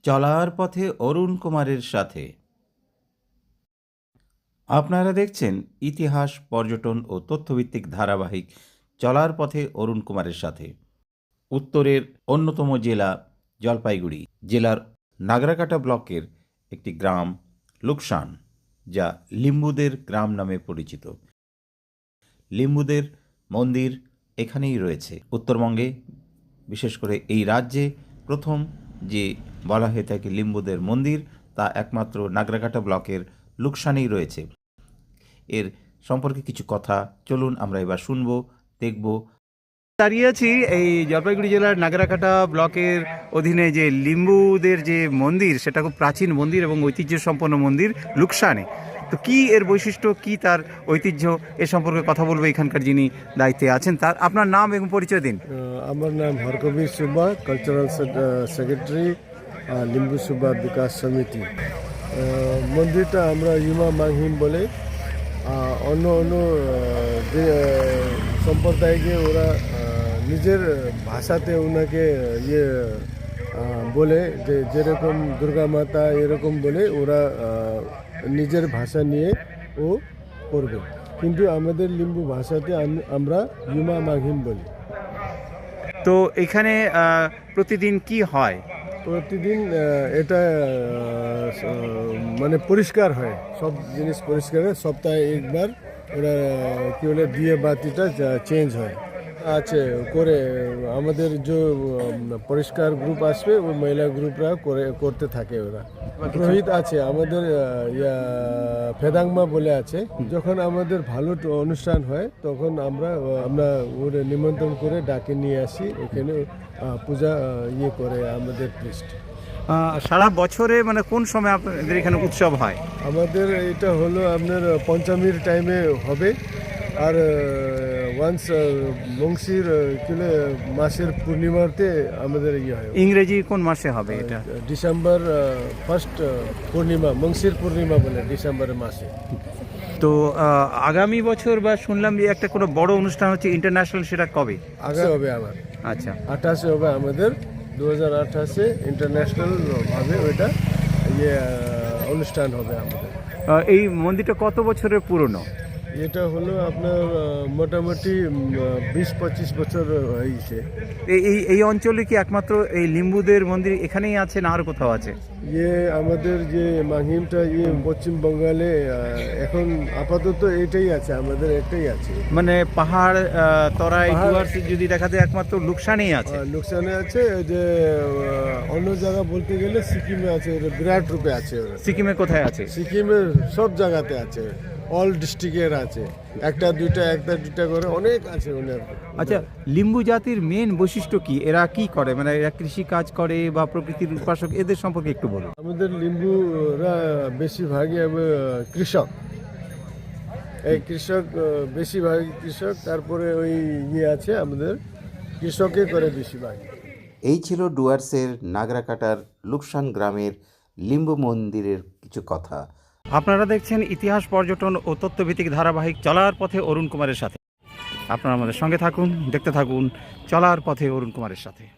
চলার পথে অরুণ কুমারের সাথে। আপনারা দেখছেন ইতিহাস, পর্যটন ও তথ্যভিত্তিক ধারাবাহিক চলার পথে অরুণ কুমারের সাথে। উত্তরের অন্যতম জেলা জলপাইগুড়ি জেলার নাগরাকাটা ব্লকের একটি গ্রাম লুকসান, যা লিম্বুদের গ্রাম নামে পরিচিত। লিম্বুদের মন্দির এখানেই রয়েছে। উত্তরবঙ্গে, বিশেষ করে এই রাজ্যে প্রথম যে বলা হয়ে থাকে লিম্বুদের মন্দির, তা একমাত্র নাগরাকাটা ব্লকের লুকসানেই রয়েছে। এর সম্পর্কে কিছু কথা চলুন আমরা এবার শুনবো, দেখব। দাঁড়িয়ে আছি এই জলপাইগুড়ি জেলার নাগরাকাটা ব্লকের অধীনে যে লিম্বুদের যে মন্দির, সেটা খুব প্রাচীন মন্দির এবং ঐতিহ্য সম্পন্ন মন্দির লুকসানে। তো কি এর বৈশিষ্ট্য, কি তার ঐতিহ্য, এ সম্পর্কে কথা বলবো এখানকার যিনি দায়িত্বে আছেন। তার আপনার নাম এবং পরিচয় দিন। আমার নাম হরকবীর সুব্বা, কালচারাল সেক্রেটারি, লিম্বু সুব্বা বিকাশ সমিতি। মন্দিরটা আমরা ইমা মাংহিম বলে। অন্য অন্য সম্প্রদায়কে ওরা নিজের ভাষাতে ওনাকে বলে, যে যেরকম দুর্গা মাতা এরকম বলে ওরা নিজের ভাষা নিয়ে ও করবে। কিন্তু আমাদের লিম্বু ভাষাতে আমরা ইমা মাংহিম বলি। তো এখানে প্রতিদিন কি হয়? প্রতিদিন এটা মানে পরিষ্কার হয়, সব জিনিস পরিষ্কার হয়। সপ্তাহে একবার ওরা কি বলে দিয়ে বাতিটা চেঞ্জ হয় আছে করে। আমাদের যে পরিষ্কার গ্রুপ আসবে, ওই মহিলা গ্রুপরা করতে থাকে। ওরা পুরোহিত আছে আমাদের, ফেদাংমা বলে আছে। যখন আমাদের ভালো অনুষ্ঠান হয় তখন আমরা ওরা নিমন্ত্রণ করে ডাকে নিয়ে আসি, ওখানে পূজা করে আমাদের প্রিস্ট। সারা বছরে মানে কোন সময় আপনাদের এখানে উৎসব হয়? আমাদের এটা হলো আপনার পঞ্চমীর টাইমে হবে, আর ওয়ান্স মংসির মাসের পূর্ণিমাতে আমাদের হয়। ইংরেজি কোন মাসে হবে এটা? ডিসেম্বর ফার্স্ট পূর্ণিমা, মংসির পূর্ণিমা বলে ডিসেম্বরের মাসে। তো আগামী বছর বা শুনলাম যে একটা কোনো বড় অনুষ্ঠান হচ্ছে ইন্টারন্যাশনাল, সেটা কবে? আগে হবে আমার। আচ্ছা, 28 হবে আমাদের, 2028 ইন্টারন্যাশনাল ভাবে ওইটা অনুষ্ঠান হবে আমাদের। এই মন্দিরটা কত বছরের পুরনো? এটা হলো আপনার মোটামুটি 20-25 বছর হয়েছে। এই অঞ্চলে কি একমাত্র এই লিম্বুদের মন্দির এখানেই আছে, না আর কোথাও আছে? আমাদের যে মাংহিমটা পশ্চিমবঙ্গালে এখন আপাতত এটাই আছে, আমাদের একটাই আছে। মানে পাহাড় তরাই যদি দেখা যায় একমাত্র লুকসানেই আছে। লুকসানে আছে, যে অন্য জায়গা বলতে গেলে সিকিমে আছে, বিরাট রূপে আছে। সিকিমে কোথায় আছে? সিকিমের সব জায়গাতে আছে, অল ডিস্ট্রিক্টের আছে, একটা দুইটা করে অনেক আছে ওনার। আচ্ছা, লিম্বু জাতির মেন বৈশিষ্ট্য কি? এরা কি করে? মানে এরা কৃষি কাজ করে বা প্রকৃতির উপাসক, এদের সম্পর্কে একটু বলুন। আমাদের লিম্বুরা বেশিরভাগই কৃষক। এই কৃষক বেশিরভাগই কৃষক, তারপরে ওই আছে আমাদের কৃষকে করে বেশিরভাগ। এই ছিল ডুয়ার্সের নাগরাকাটার লুকসান গ্রামের লিম্বু মন্দিরের কিছু কথা। আপনারা দেখছেন ইতিহাস, পর্যটন ও তথ্যভিত্তিক ধারাবাহিক চলার পথে অরুণ কুমারের সাথে। আপনারা আমাদের সঙ্গে থাকুন, দেখতে থাকুন চলার পথে অরুণ কুমারের সাথে।